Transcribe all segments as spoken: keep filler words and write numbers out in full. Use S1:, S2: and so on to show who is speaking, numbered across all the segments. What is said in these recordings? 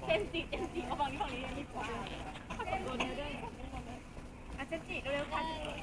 S1: เจนจิเจนจิเอาฝั่งนี้ฝั่งนี้ดีกว่าโดนเนื้อด้วยอาเจนจิเร็วๆค่ะ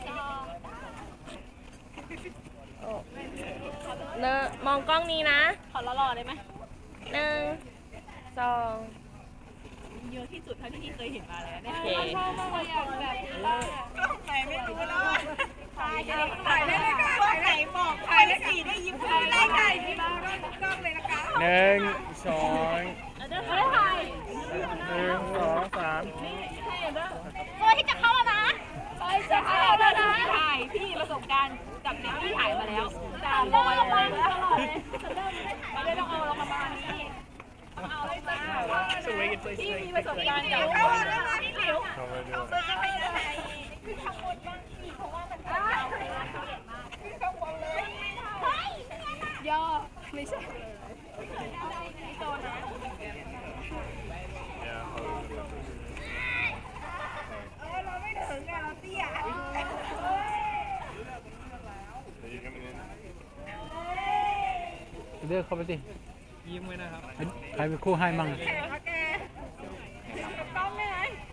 S2: เนอะมองกล้องนี้นะ
S1: ขอหล่อๆได้ไหม
S2: หนึ่งสอง
S1: เยอะที่สุดเท่าที่พี่เคยเห็นมาแล้วเนี่ย
S2: ชอบ
S1: มากเลยอย่างแบบนี้กล้องไหนไม่รู้แล้วถ่ายถ่ายได้เลยค่ะกล้องไหนบอกถ่ายได้สี่ได้ยิ้มได้ถ่ายที่บ้านกล้องเลยนะคะ
S3: หนึ่งสอง
S1: เดี๋ยวถ่าย
S3: หนึ่งสองสาม
S1: ตัวที่จะเข้าแล้วนะตัวที่จะเข้าแล้วนะถ่ายพี่ประสบการณ์กับเด็กที่ถ่ายมาแล้วจามลอยเลยไม่ได้ต้องเอาลงมาบ้านนี้เอาเลยจ้าพี่มีประสบการณ์กับเข้าแล้วนะพี่หลิวเอาตัวจะไปไหนขึ้นข้างบนบ้างสิเพราะว่ามันจะเอาขึ้นข้างบนเลยย่อไม่ใช่ไม่โตนะเราไม่ถึงไงเราเตี้ย
S3: เลือกเข้าไปสิ
S4: ยิ้มไว้นะครับ
S3: ใครเป็นคู่ให้มั่ง
S1: ต้องไหม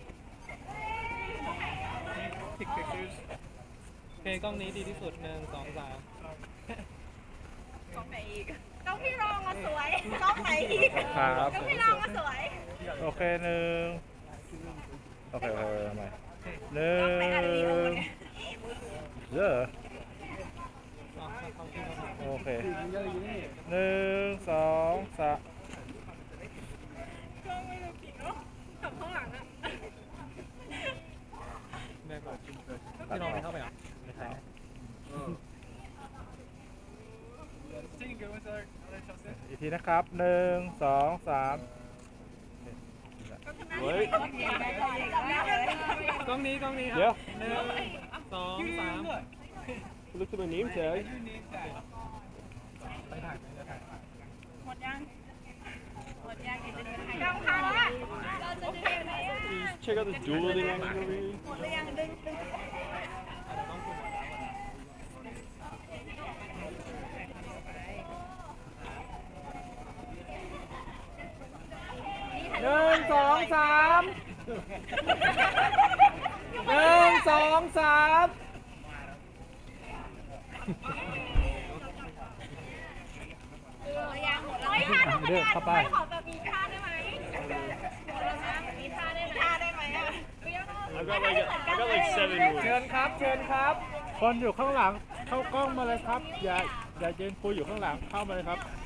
S4: ติ๊กติ๊กเพลงกล้องนี้ดีที่สุดหนึ่งสองสาม
S1: กล้องไหนอีกกล้องพี่รองมาสวยกล้องไหนอีก
S3: ครับ
S1: กล้องพี่รองมาสวย
S3: โอเคหนึ่งโอเคโอเคทำไมหนึ่งเยอะโอเคหนึ่งสองสาม
S1: กล้องไม่ได้ปิดเนาะกับข้างหลังอะ
S4: แม่บอกพี่น้องไม่เข้าไปอ่ะไม่ใช่
S3: อีกทีนะครับหนึ่งสองสาม
S4: เฮ้ยกล้องนี้กล้องนี้ครับหนึ่งสองสาม
S3: ลูกตัวนี้เฉย
S4: ไปถ่ายไปถ่าย
S1: หมดยังหมดยังกล้องพังละเราจะดึงไหนอ่ะ
S3: Check out the dueling angle
S1: หมดหรือยังดึงดึง
S3: หนึ่งสองสามหนึ่งสองสาม
S1: เลือกเข้าไปขอแบบมีท่าได้ไหมมีท่าได้ไหมท่าได้ไหมอ่ะ
S3: เชิญครับเชิญครับคนอยู่ข้างหลังเข้ากล้องมาเลยครับอย่าอย่ายืนคุยอยู่ข้างหลังเข้ามาเลยครับ